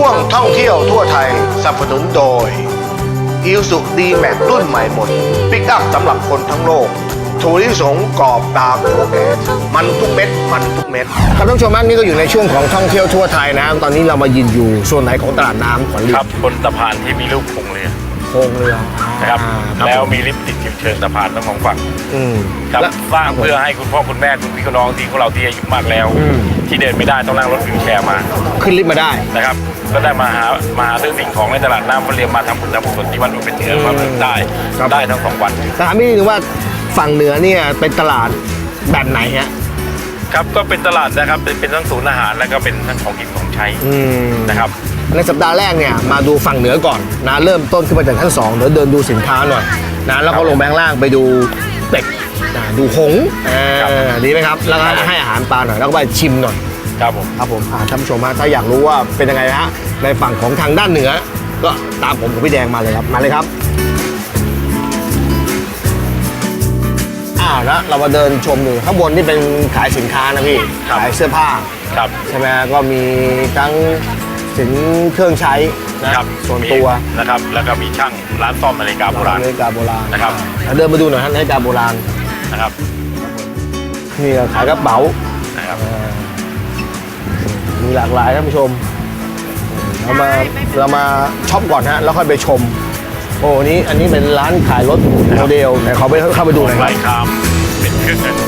ช่วงท่องเที่ยวทั่วไทยสนับสนุนโดย Isuzu D-Max รุ่นใหม่หมดปิกอัพสำหรับคนทั้งโลกถั่วลิสงกรอบตามถั่วแก่มันทุกเม็ดมันทุกเม็ดครับท่านผู้ชมครับนี่ก็อยู่ในช่วงของท่องเที่ยวทั่วไทยนะครับตอนนี้เรามายืนอยู่ส่วนไหนของตลาดน้ำขวัญฤทครัธิ์บ บนสะพานที่มีรูปโครงเรือโครงเรือนะครับครับแล้วมีลิฟต์ติดอยู่เชิงสะพานทั้งสองฝั่ง ครับแล้วสร้างเพื่อให้คุณพ่อคุณแม่คุณพี่คุณน้องที่ของเราที่อายุมากแล้ว ที่เดินไม่ได้ต้องนั่งรถวีลแชร์มาขึ้นลิฟต์มาได้นะครับก็ได้มาหาซื้อสิ่งของในตลาดน้ำเรียมมาทำบุญทำกุศลที่วัดอุเป็นเถื่อนความได้ครับได้ทั้งสองวันถามนิดนึงว่าฝั่งเหนือเนี่ยเป็นตลาดแบบไหนฮะครับก็เป็นตลาดนะครับเป็นทั้งศูนย์อาหารแล้วก็เป็นทั้งของกินของใช้นะครับในสัปดาห์แรกเนี่ยมาดูฝั่งเหนือก่อนนะเริ่มต้นขึ้นมาจากชั้น2เดี๋ยวเดินดูสินค้าหน่อยนะแล้วก็ลงแบงล่างไปดูเป็ดดูหงส์ดีไหมครับแล้วก็ให้อาหารปลาหน่อยแล้วก็ไปชิมหน่อยครับผมครับผมท่านผู้ชมฮะถ้าอยากรู้ว่าเป็นยังไงนะฮะในฝั่งของทางด้านเหนือ ก็ตามผมกับพี่แดงมาเลยครับมาเลยครับแล้วเรามาเดินชมดูข้างบนนี่เป็นขายสินค้านะพี่ขายเสื้อผ้าครับใช่ไหมก็มีทั้งสินเครื่องใช้นะครับส่วนตัวนะครับแล้วก็มีช่างร้านซ่อมนาฬิกาโบราณนาฬิกาโบราณนะครับเดินมาดูหน่อยฮะนาฬิกาโบราณนะครับนี่ก็ขายกระเป๋านะครับมีหลากหลายท่านผู้ชมเรามาช็อปก่อนฮะแล้วค่อยไปชมโอ้นี่อันนี้เป็นร้านขายรถโมเดลไหนเขาไปเข้าไปดูหน่อยคลารับยคามเป็นเครื่องเงิน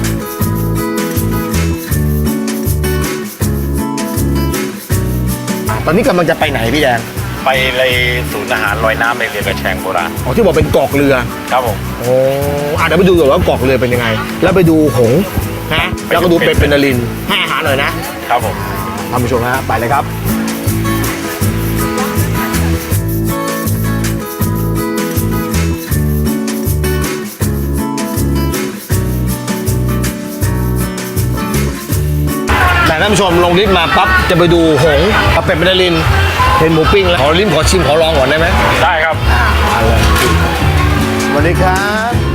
ตอนนี้กำลังจะไปไหนพี่แดงไปเลยศูนย์อาหารลอยน้ำในเรือกระแชงโบราณอ๋อที่บอกเป็นกอกเรือครับผมโอ้เดี๋ยวไปดูก่อนว่ากอกเรือเป็นยังไง แล้วไปดูหงส์ฮะแล้วก็ดูเป็ดเป็นนรินทร์ให้อาหารหน่อยนะครับผมท่านผู้ชมฮะไปเลยครับแต่ท่านผู้ชมลงลิฟต์มาปั๊บจะไปดูหงส์กับเป็ดเป็นนรินทร์เห็นหมูปิ้งแล้วขอลิ้มขอชิมขอลองก่อนได้ไหมได้ครับมาเลยสวัสดีครับ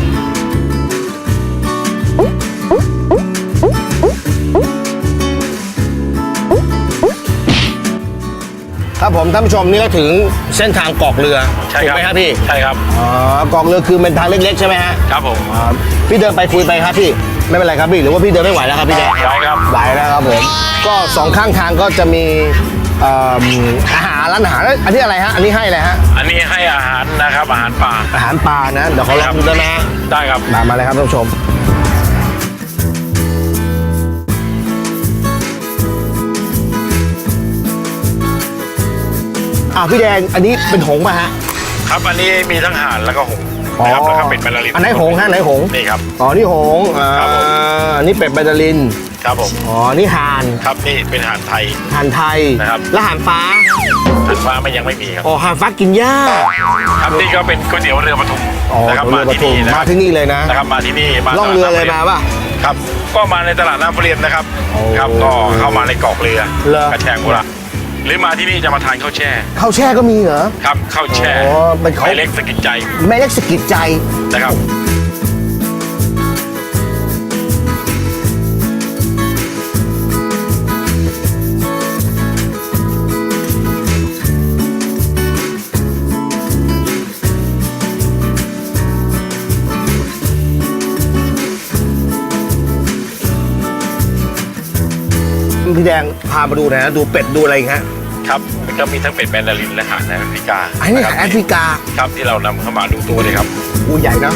ครับผมท่านผู้ชมนี่ก็ถึงเส้นทางกอกเรือใช่ถูกครับไหมครับพี่ใช่ครับอ๋อกอกเรือคือเป็นทางเล็กๆใช่ไหมฮะครับผมพี่เดินไปคุยไปครับพี่ไม่เป็นไรครับพี่หรือว่าพี่เดินไม่ไหวแล้วครับพี่แดงได้ครับไหวแล้วครับผมก็สองข้างทางก็จะมีอาหารร้านอาหารอันนี้อะไรฮะอันนี้ให้อะไรฮะอันนี้ให้อาหารนะครับอาหารป่าอาหารปลานะเดี๋ยวขอลองดูได้ไหมฮะได้ครับมาเลยครับท่านผู้ชมพี่แดงอันนี้เป็นหงส์ป่ะฮะครับอันนี้มีทั้งห่านแล้วก็หงส์นะครับแล้วก็เป็ดแมนดารินอันไหนหงส์ฮะไหนหงส์นี่ครับอ๋อนี่หงส์ครับผมอันนี้เป็ดแบดาลินครับผมอ๋อนี่ห่านครับนี่เป็นห่านไทยห่านไทยนะครับแล้วห่านฟ้าห่านฟ้าไม่ยังไม่มีครับอ๋อห่านฟ้ากินหญ้าครับนี่ก็เป็นก๋วยเตี๋ยวเรือปทุมอ๋อนะครับเรือปที่ทุมนี่นะคมารับที่นี่เลยนะนะครับมาที่นี่มาล่องเรือเลยมาป่ะครับก็มาในตลาดน้ำเปรียนนะครับโอ้ครับก็เข้ามาในเกาะเรือเหรอกระแชงโบราณหรือมาที่นี่จะมาทานข้าวแช่ข้าวแช่ก็มีเหรอครับข้าวแช่อ๋อเป็นข้าวไม่เล็กสกิดใจแม่เล็กสะกิดใจนะครับพี่แดงพามาดูหนะดูเป็ดดูอะไรอีกฮะครับมันก็มีทั้งเป็ดแมนดารินและห่านแอฟริกาอันนี้ะคบแอฟริกาครับที่เรานำเข้ามาดูตัวเลยครับอูใหญ่นะ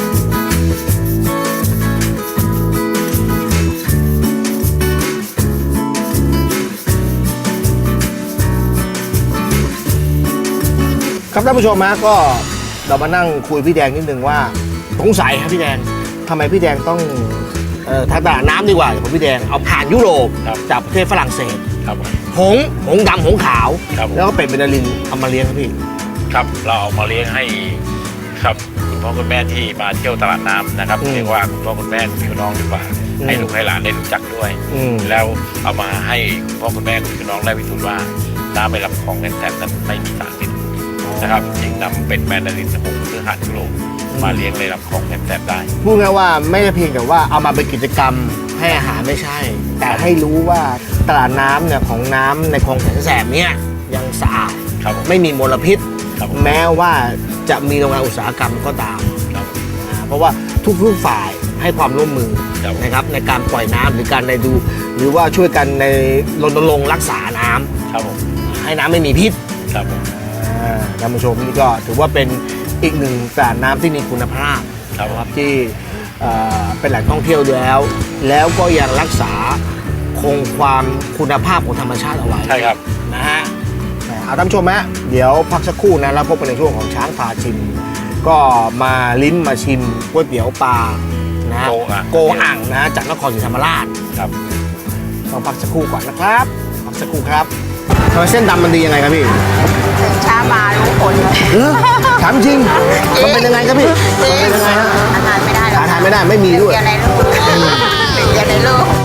ครับท่านผู้ชมฮะก็เรามานั่งคุยพี่แดงนิดนึงว่าสงสัยครับพี่แดงทำไมพี่แดงต้องทางตลาดน้ำดีกว่าของพี่แดงเอาผ่านยุโรปครับจากประเทศฝรั่งเศสครับผมหงส์ดำหงส์ขาวครับผมแล้วก็เป็ดเบนดาลินเอามาเลี้ยงครับพี่ครับเราเอามาเลี้ยงให้ครับคุณพ่อคุณแม่ที่มาเที่ยวตลาดน้ำนะครับเรียกว่าคุณพ่อคุณแม่พี่น้องดีกว่าให้ลูกให้หลานได้รู้จักด้วย แล้วเอามาให้คุณพ่อคุณแม่คุณพี่น้องได้พิสูจน์ว่าน้ำในลำคลองแสบนั้นไม่มีสารพิษนะครับจึงนำเป็ดแมนดารินหงส์หรือห่านยุโรปมาเลี้ยงในลำคลองแสบได้พูดง่ายว่าไม่ใช่เพียงแต่ว่าเอามาเป็นกิจกรรมให้อาหารไม่ใช่ แต่ให้รู้ว่าตลาดน้ำเนี่ยของน้ำในคลองแสนแสบเนี่ยยังสะอาดครับผมไม่มีมลพิษครับผมแม้ว่าจะมีโรงงานอุตสาหกรรมก็ตามครับเพราะว่าทุกฝ่ายให้ความร่วมมือครับนะครับในการปล่อยน้ำหรือการในดู หรือว่าช่วยกันในรณรงค์รักษาน้ำครับผมให้น้ำไม่มีพิษครับผมท่านผู้ชมนี่ก็ถือว่าเป็นอีกหนึ่งสระน้ำที่มีคุณภาพครับนะครับที่เป็นแหล่งท่องเที่ยวแล้วก็ยังรักษาคงความคุณภาพของธรรมชาติเอาไว้ใช่ครับนะฮะเอาท่านผู้ชมฮะเดี๋ยวพักสักครู่นะแล้วพบกันในช่วงของช้างพาชิม ก็มาลิ้มมาชิมก๋วยเตี๋ยวปลานะฮะโกอ่างอ่างนะฮะจากนครศรีธรรมราชครับต้องพักสักครู่ก่อนนะครับพักสักครู่ครับทำไมเส้นดำมันดียังไงครับพี่ตื่นเช้ามารู้ผลเลยถามจริงมันเป็นยังไงครับพี่มันเป็นยังไงฮะอาหารไม่ได้หรอกหาทานไม่ได้ไม่มีด้วยเดียวในโลกหนึ่งเดียวในโลก